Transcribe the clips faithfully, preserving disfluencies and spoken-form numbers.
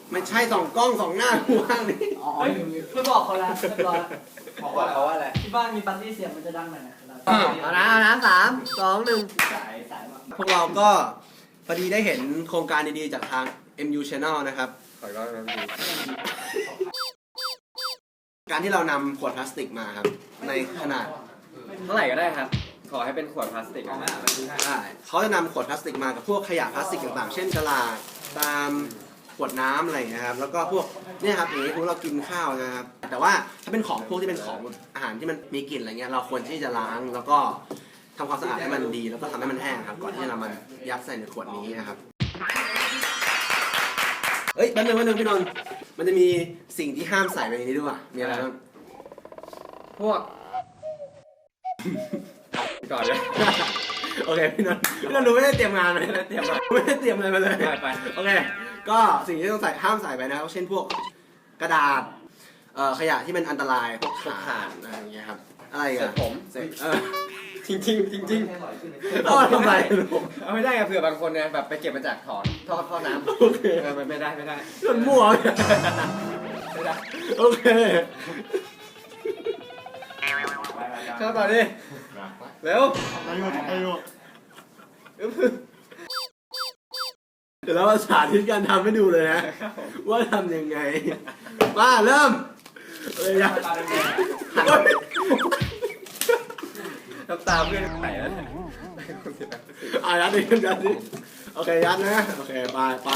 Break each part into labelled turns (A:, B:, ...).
A: ไม่ใช่สองกล้องสองหน้าว่างนี่
B: อ๋อไม่บอกเขาแล้วเรียบร้อย
C: บอกว่าเขาว่าอะไร
B: ที่บ้านมีปาร์ตี้เสียงมันจะดังหน่อยนะครับ
A: เอานะเอานะสามสองหนึ่ง
B: สายสายมาก
A: พวกเราก็พอดีได้เห็นโครงการดีๆจากทาง เอ็ม ยู Channel นะครับ
C: ขอร้องน้ำดี
A: การที่เรานำขวดพลาสติกมาครับ ในขนาด
C: เท่าไหร่ก็ได้ครับ ขอให้เป็นขวดพลาสติกนะ
A: ได้เขาจะนำขวดพลาสติกมากับพวกขยะพลาสติกต่างๆ เช่นกระดาษตามขวดน้ำอะไรอย่างเงี้ยครับ แล้วก็พวกเนี่ยครับอย่างนี้พวกเรากินข้าวนะครับ แต่ว่าถ้าเป็นของพวกที่เป็นของอาหารที่มันมีกลิ่นอะไรเงี้ย เราควรที่จะล้างแล้วก็ทำความสะอาดให้มันดี แล้วก็ทำให้มันแห้งครับ ก่อนที่จะนำมันยัดใส่ในขวดนี้นะครับ เฮ้ยแป๊บนึงแป๊บนึงพี่นนท์มันจะมีสิ่งที่ห้ามใส่ไปในนี้ด้วยว่ะมีอะไรบ้าง
C: พวกก่อนเลย
A: โอเคพี่นนท์พี่นนท์รู้ไม่ได้เตรียมงานมาไม่ได้เตรียมมาไม่ได้เตรียมอะไรมาเลย
C: ไปไป
A: โอเคก็สิ่งที่ต้องใส่ห้ามใส่ไปนะครับเช่นพวกกระดาษเอ่อขยะที่มันอันตรายพวกถ่านอะไรอย่างเงี้ยครับอะไร
C: เสร็
A: อ่ะ
C: จผม
A: เสร็จเออ
C: จริงจริงจริงจริง
A: เอามาทำไม
C: เอาไม่ได้อะเผื่อบางคนเนี่ยแบบไปเก็บมาจากถอนท่อท่อน้ำ
A: โอเค
C: เออไม่ได้ไม่ได้
A: นนท์มั่ว
C: ไม่ได้
A: โอเค
C: เข้าต่อดิเร็ว
D: อายุอายุ
A: เดี๋ยวเราสาธิตการทำให้ดูเลยนะว่าทำยังไงมาเริ่มเลยนะ
C: น้ำตาเพื่อนไหลแล้วเนี่ย
A: อ่ะยัดดิยัดดิโอเคยัดนะโอเคไปไป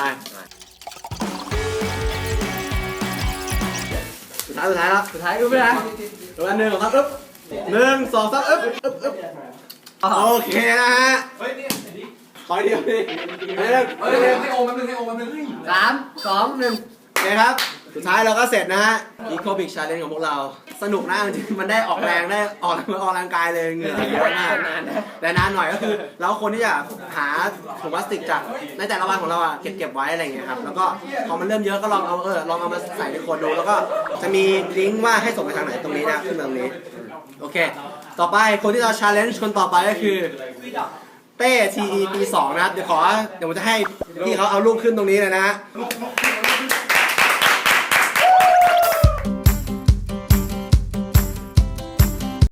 A: สุดท้ายสุดท้ายแล้ว
B: สุดท้ายรู้ไหมนะ
A: ตัวหนึ่งสองสามอึ๊บหนึ่งสองสามอึ๊บอึ๊บอึ๊บโอเคนะฮะเฮ้ยนี่ขอเดียวดิเฮ้ยให้โอมแป๊บนึงให้โอมแป๊บนึง
B: สามสองหนึ่ง
A: โอเคครับสุดท้ายเราก็เสร็จนะฮะ Eco Big Challenge ของพวกเราสนุกนะจริงๆมันได้ออกแรงได้ออกออกกำลังกายเลยเหงื่อเยอะมากแต่นานหน่อยก็คือเราคนที่จะหาถุงพลาสติกจากในแต่ละวันของเราอ่ะเก็บเก็บไว้อะไรอย่างเงี้ยครับแล้วก็พอมันเริ่มเยอะก็ลองเอาเออลองเอามาใส่ในขวดดูแล้วก็จะมีลิงก์ว่าให้ส่งไปทางไหนตรงนี้นะขึ้นมาตรงนี้โอเคต่อไปคนที่เรา challenge คนต่อไปก็คือเต้ ที อี ปีสองนะครับเดี๋ยวขอเดี๋ยวผมจะให้พี่เขาเอารูปขึ้นตรงนี้เลยนะฮะ